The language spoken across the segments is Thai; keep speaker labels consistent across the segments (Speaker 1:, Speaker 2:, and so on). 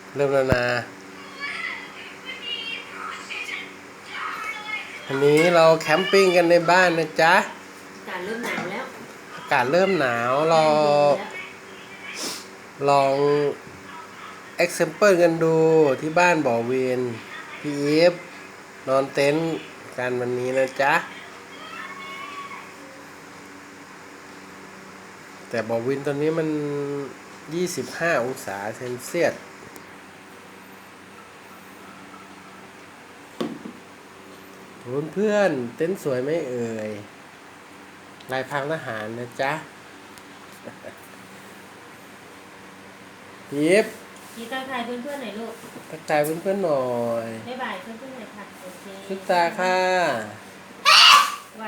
Speaker 1: เริ่มแล้วนะอันนี้เราแคมปิ้งกันในบ้านนะจ๊ะ
Speaker 2: อากาศเริ่มหนาวแล้ว
Speaker 1: อากาศเริ่มหนาวเราลองเอ็กเซมเปิลกันดูที่บ้านบ่อเวียนพี่อีฟนอนเต็นท์กันวันนี้นะจ๊ะแต่บ่อวินตอนนี้มัน25 องศาเซนเซียสเพื่อนเต็นท์สวยไหมเอ่ยลายพรางทหารนะจ๊ะยิบ
Speaker 2: พี่ทักทายเพื่อนๆหน่อยลูก
Speaker 1: ทักทายเพื่อนๆหน่อย
Speaker 2: บ๊ายบายเพื่อนๆหน่อยค่ะโอเค
Speaker 1: ทุกตาค่ะ
Speaker 2: ไหว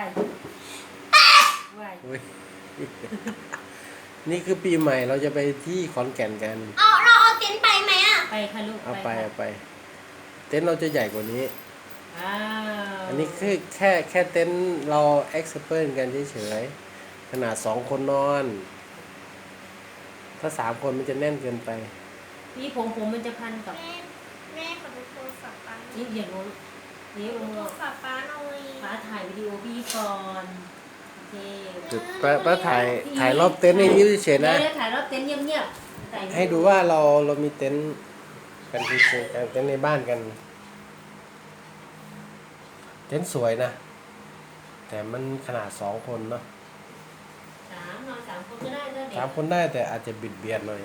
Speaker 1: อุ๊ยนี่คือปีใหม่เราจะไปที่ขอนแก่นกัน
Speaker 3: เราเอาเต็นท์ไปไหมอ่ะ
Speaker 2: ไปค่ะลูก
Speaker 1: เอาไปเต็นท์เราจะใหญ่กว่านี้อันนี้คือแค่เต็นท์เราเอ็กซ์เพรสกันเฉยๆขนาด2 คนนอนถ้า3 คนมันจะแน่นเกินไป
Speaker 2: พี่ผมมันจะพันกับ
Speaker 3: แม่ขอดูโทรศัพท์ป้า
Speaker 2: นี่อย่างนู้นนี่
Speaker 3: โทรศัพท์ป้าหน่อย
Speaker 2: ป้าถ่ายวิดีโอพี่ก่อนโอเค
Speaker 1: ป้าถ่ายรอบเต็นท์ให้ยิ้มเฉยๆนะ
Speaker 2: ถ่ายรอบเต็นท์เงียบๆ
Speaker 1: ให้ดูว่าเรามีเต็นท์กันเฉยๆกันเต็นท์ในบ้านกันเต็นท์สวยนะแต่มันขนาด2 คนเนาะ
Speaker 2: นอน3 คนก็ได้เด็ก
Speaker 1: 3 คนได้แต่อาจจะบิดเบียนหน่อย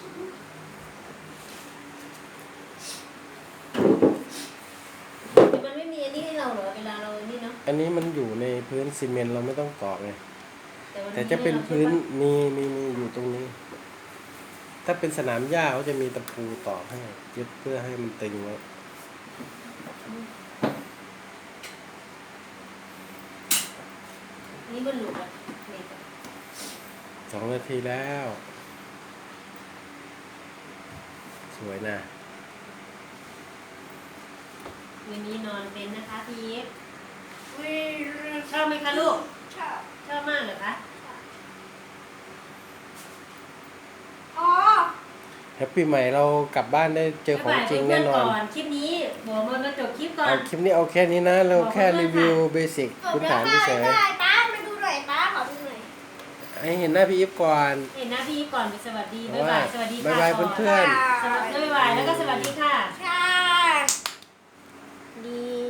Speaker 2: มันไม่มีอันนี้ให้เราเหรอเวลาเรานี่เนาะ
Speaker 1: อันนี้มันอยู่ในพื้นซีเมนต์เราไม่ต้องตอกไงแต่จะเป็นพื้นมีอยู่ตรงนี้ถ้าเป็นสนามหญ้าเขาจะมีตะปูตอกให้ยึดเพื่อให้มันตึงไว้
Speaker 2: นี่มันหลุดอ่ะ
Speaker 1: 2 นาทีแล้วสวยนะ
Speaker 2: วันนี้นอนเป็นนะคะพี่เอฟชอบไหมคะลูกชอบมากเหรอคะ
Speaker 1: แฮปปี้ใหม่เรากลับบ้านได้เจอของจริงแน่นอน
Speaker 2: คลิปนี้บอกมาจบคลิปก่อน
Speaker 1: คลิปนี้เอาแค่นี้นะเราแค่รีวิวเบสิกพื้นฐานเฉย
Speaker 3: ป้ามาดูหน่อยป้าขอดูหน่อย
Speaker 1: ให้เห็นหน้าพี่อีฟก่อน
Speaker 2: เห็นหน้าพี่ก่อนสวัสดีบ๊ายบายสวัสดีค่ะ
Speaker 1: บ๊ายบายเพื่อน
Speaker 2: ๆบ๊ายบายแล้วก็สวัสดีค่ะ
Speaker 3: ค่ะดี